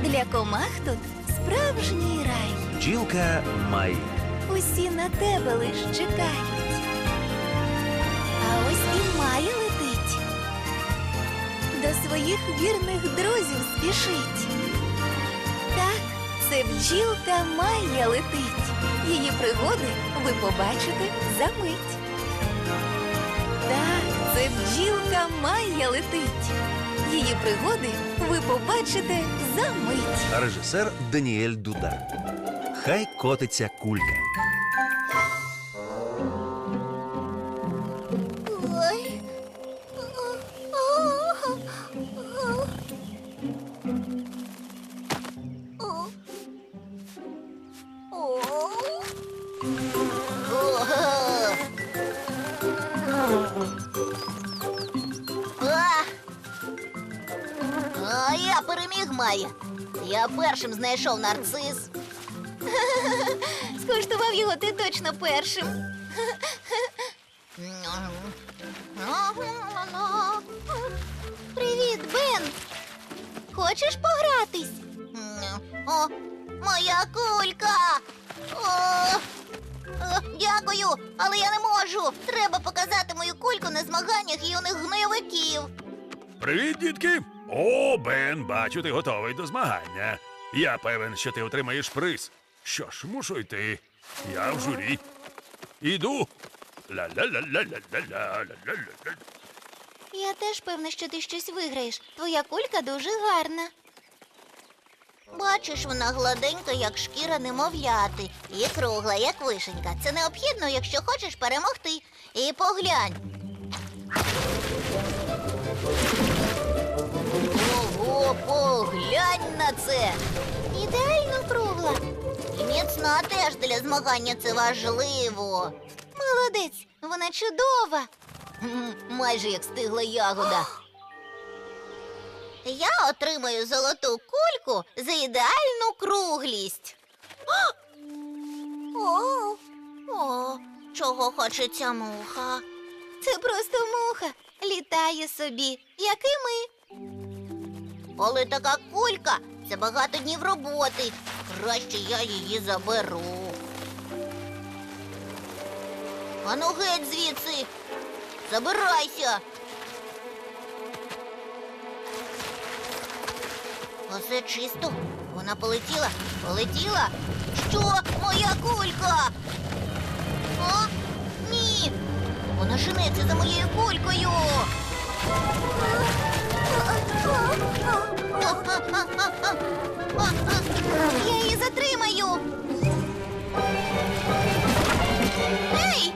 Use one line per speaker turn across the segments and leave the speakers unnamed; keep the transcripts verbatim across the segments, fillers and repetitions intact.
Для комах тут справжній рай.
Бджілка Май.
Усі на тебе лиш чекають. А ось і Майя летить. До своїх вірних друзів спішить. Так, це бджілка Майя летить. Її пригоди ви побачите за мить. Так, це бджілка Майя летить. Її пригоди ви побачите за мить.
Режисер Даніель Дуда. Хай котиться кулька.
Ой.
А я переміг, Майя. Я першим знайшов нарцис.
Скуштував його ти точно першим. Привіт, Бен. Хочеш погратись?
О, моя кулька! О, о, дякую, але я не можу. Треба показати мою кульку на змаганнях юних гнойовиків.
Привіт, дітки! О, Бен, бачу, ти готовий до змагання. Я певен, що ти отримаєш приз. Що ж, мушу йти. Я в журі. Іду. Ла-ла-ла-ла-ла-ла-ла-ла-ла-ла.
Я теж певна, що ти щось виграєш. Твоя кулька дуже гарна.
Бачиш, вона гладенька, як шкіра немовляти, і кругла, як вишенька. Це необхідно, якщо хочеш перемогти. І поглянь. Ого, поглянь на це!
Ідеально кругла.
І міцна теж для змагання це важливо.
Молодець, вона чудова.
М, Майже як стигла ягода. Я отримаю золоту кульку за ідеальну круглість. О, о, чого хоче ця муха?
Це просто муха. Літає собі, як і ми.
Але така кулька – це багато днів роботи. Краще я її заберу. Ану геть звідси. Забирайся. Усе чисто. Вона полетіла. Полетіла. Що? Моя кулька? О, ні. Вона женеться за моєю кулькою.
Я її затримаю.
Ей!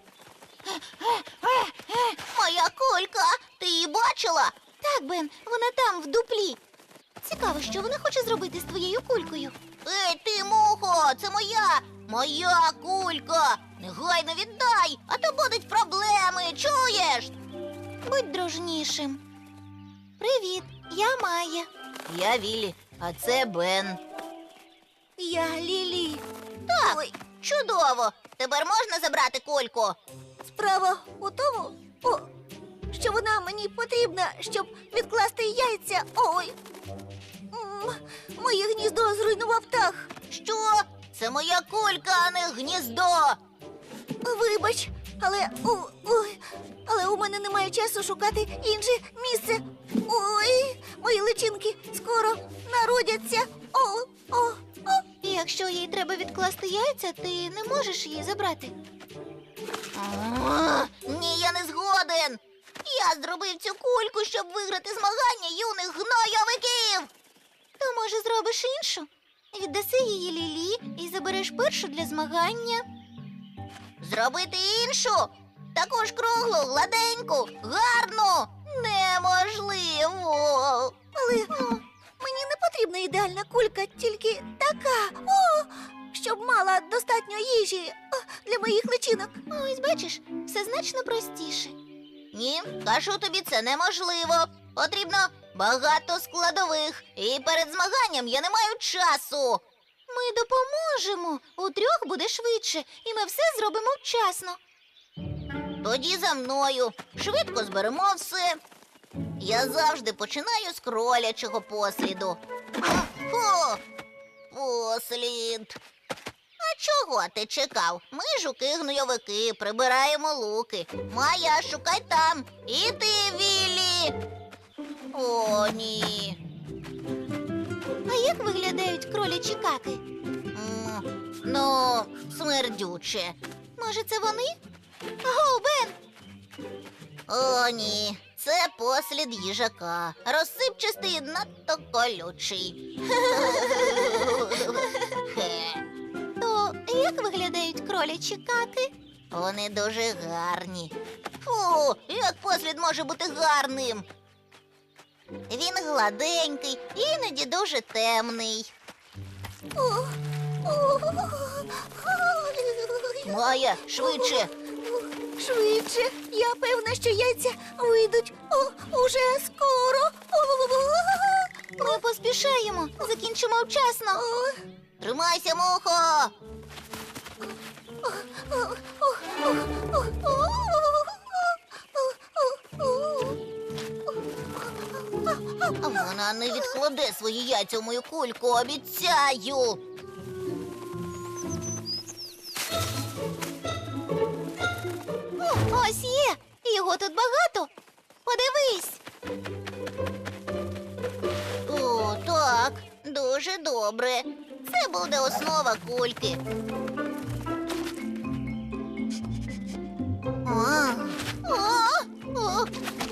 Моя кулька! Ти її бачила?
Так, Бен, вона там, в дуплі. Цікаво, що вона хоче зробити з твоєю кулькою.
Ей, ти, мухо! Це моя! Моя кулька! Негайно віддай, а то будуть проблеми, чуєш?
Будь дружнішим. Привіт, я Майя.
Я Віллі, а це Бен.
Я Лілі.
Так, Ой. Чудово! Тепер можна забрати кульку?
Справа у тому, о, що вона мені потрібна, щоб відкласти яйця. Ой. М, Моє гніздо зруйнував птах.
Що? Це моя кулька, а не гніздо.
Вибач, але у, ой, але у мене немає часу шукати інше місце. Ой, мої личинки скоро народяться. О, о, о. Якщо їй треба відкласти яйця, ти не можеш її забрати.
А, Ні, я не згоден. Я зробив цю кульку, щоб виграти змагання юних гнойовиків.
То, може, зробиш іншу? Віддаси її Лілі і забереш першу для змагання.
Зробити іншу? Таку ж круглу, гладеньку, гарну? Неможливо.
Але о, мені не потрібна ідеальна кулька, тільки така, о, щоб мала достатньо їжі о, для моїх личинок. Ось бачиш, все значно простіше.
Ні, кажу тобі, це неможливо. Потрібно багато складових. І перед змаганням я не маю часу.
Ми допоможемо. У трьох буде швидше, і ми все зробимо вчасно.
Тоді за мною. Швидко зберемо все. Я завжди починаю з кролячого посліду. Фу, послід. А чого ти чекав? Ми жуки-гнойовики, прибираємо луки. Майя, шукай там. І ти, Віллі. О, ні.
А як виглядають кролячі каки?
М, Ну, смердюче.
Може, це вони? Аго, Бен!
О, ні. Це послід їжака. Розсипчастий і надто колючий. Хе.
То як виглядають кролячі каки?
Вони дуже гарні. Фу, як послід може бути гарним? Він гладенький, іноді дуже темний. Майя, швидше.
Швидше. Я певна, що яйця вийдуть О, уже скоро. Ми поспішаємо. Закінчимо вчасно.
Тримайся, мухо. Вона не відкладе свої яйця в мою кульку, обіцяю.
Ось є. Його тут багато. Подивись.
О, так, дуже добре. Це буде основа кульки. А,
О, о.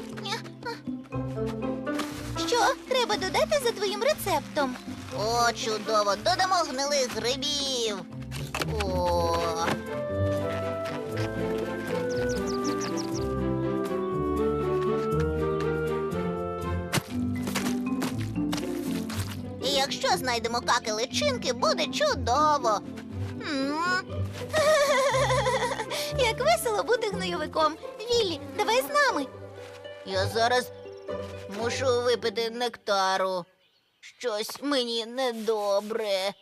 Що треба додати за твоїм рецептом?
О, чудово! Додамо гнилих грибів. О. І якщо знайдемо каки личинки, буде чудово. М.
Як весело бути гнойовиком. Віллі, давай з нами.
Я зараз мушу випити нектару. Щось мені недобре.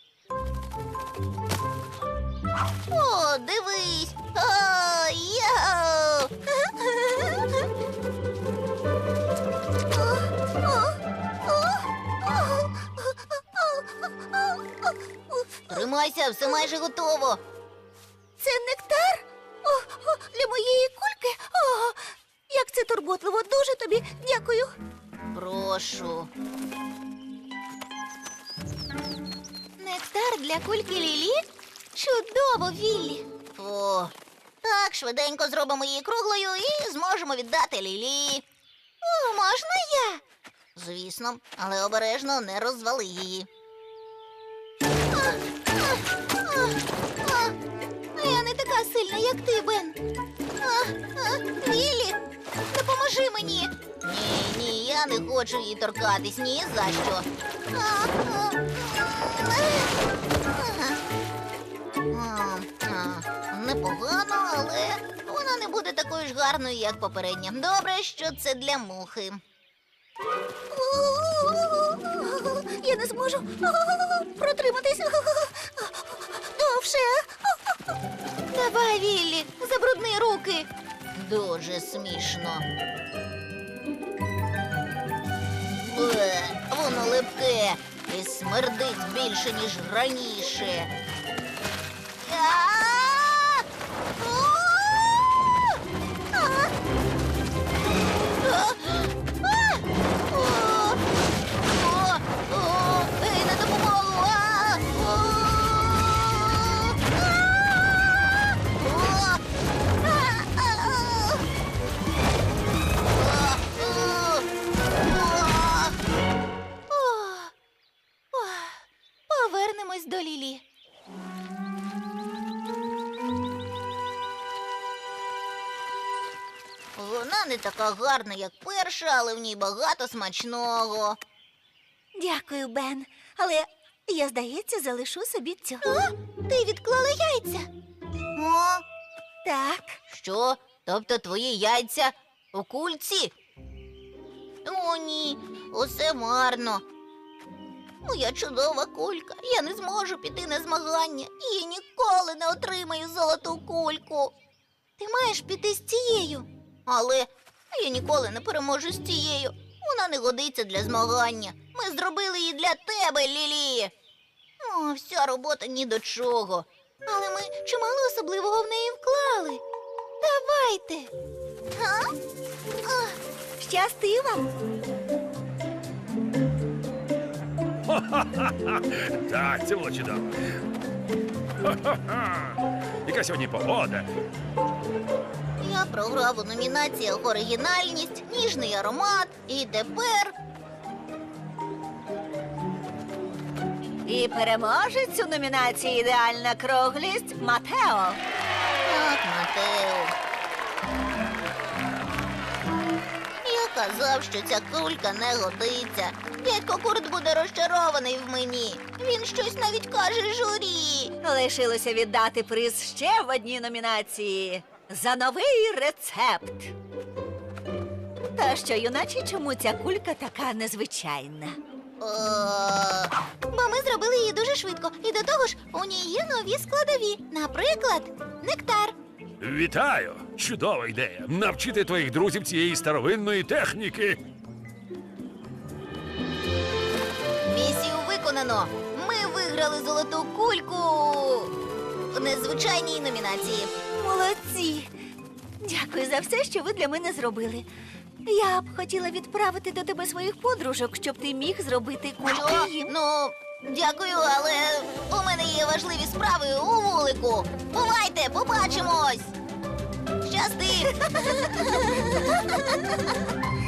О, дивись! О, йоу! Тримайся, все майже готово.
Це нектар? О, о, для моєї кульки? О, як це турботливо. Дуже тобі дякую.
Прошу.
Нектар для кульки Лілі? Чудово, Віллі.
О, так, швиденько зробимо її круглою і зможемо віддати Лілі.
О, можна я?
Звісно, але обережно не розвали її.
А я не така сильна, як ти, Бен. А, а, Віллі, допоможи мені.
Ні, ні, я не хочу її торкатись, ні за що.
А, а,
А, а, Непогано, але вона не буде такою ж гарною, як попередня. Добре, що це для мухи.
Я не зможу протриматись довше. Давай, Віллі, забрудни руки.
Дуже смішно. Бе, воно липке і смердить більше, ніж раніше. А! О! А! А! А! О! О! О! Ей, на допомогу! А! О! А! А! А!
О, о, повернемось до Лілі.
Вона не така гарна, як перша, але в ній багато смачного.
Дякую, Бен. Але я, здається, залишу собі цю. А? Ти відклала яйця?
О,
Так.
що? Тобто твої яйця у кульці? О, ні, усе марно. Моя чудова кулька. Я не зможу піти на змагання і ніколи не отримаю золоту кульку.
Ти маєш піти з цією.
Але Я ніколи не переможу з цією. Вона не годиться для змагання. Ми зробили її для тебе, Лілі. О, вся робота ні до чого. Але ми чимало особливого в неї вклали. Давайте.
Га? А, щасти вам.
Так, це було чудово. Ха-ха-ха. Яка сьогодні погода?
Я програв у номінаціях оригінальність, ніжний аромат і тепер.
І переможець у номінації «Ідеальна круглість» Матео.
Так, Матео. Я казав, що ця кулька не годиться. Дядько Курт буде розчарований в мені. Він щось навіть каже журі.
Лишилося віддати приз ще в одній номінації за новий рецепт. Та що, юначе, чому ця кулька така незвичайна?
Е, Бо ми зробили її дуже швидко. І до того ж, у ній є нові складові. Наприклад, нектар.
Вітаю! Чудова ідея. Навчити твоїх друзів цієї старовинної техніки.
Місію виконано. Ми виграли золоту кульку у незвичайній номінації.
Молодці! Дякую за все, що ви для мене зробили. Я б хотіла відправити до тебе своїх подружок, щоб ти міг зробити
Що?
кульки їм.
Ну, дякую, але у мене є важливі справи у вулику. Бувайте, побачимось! Щасти!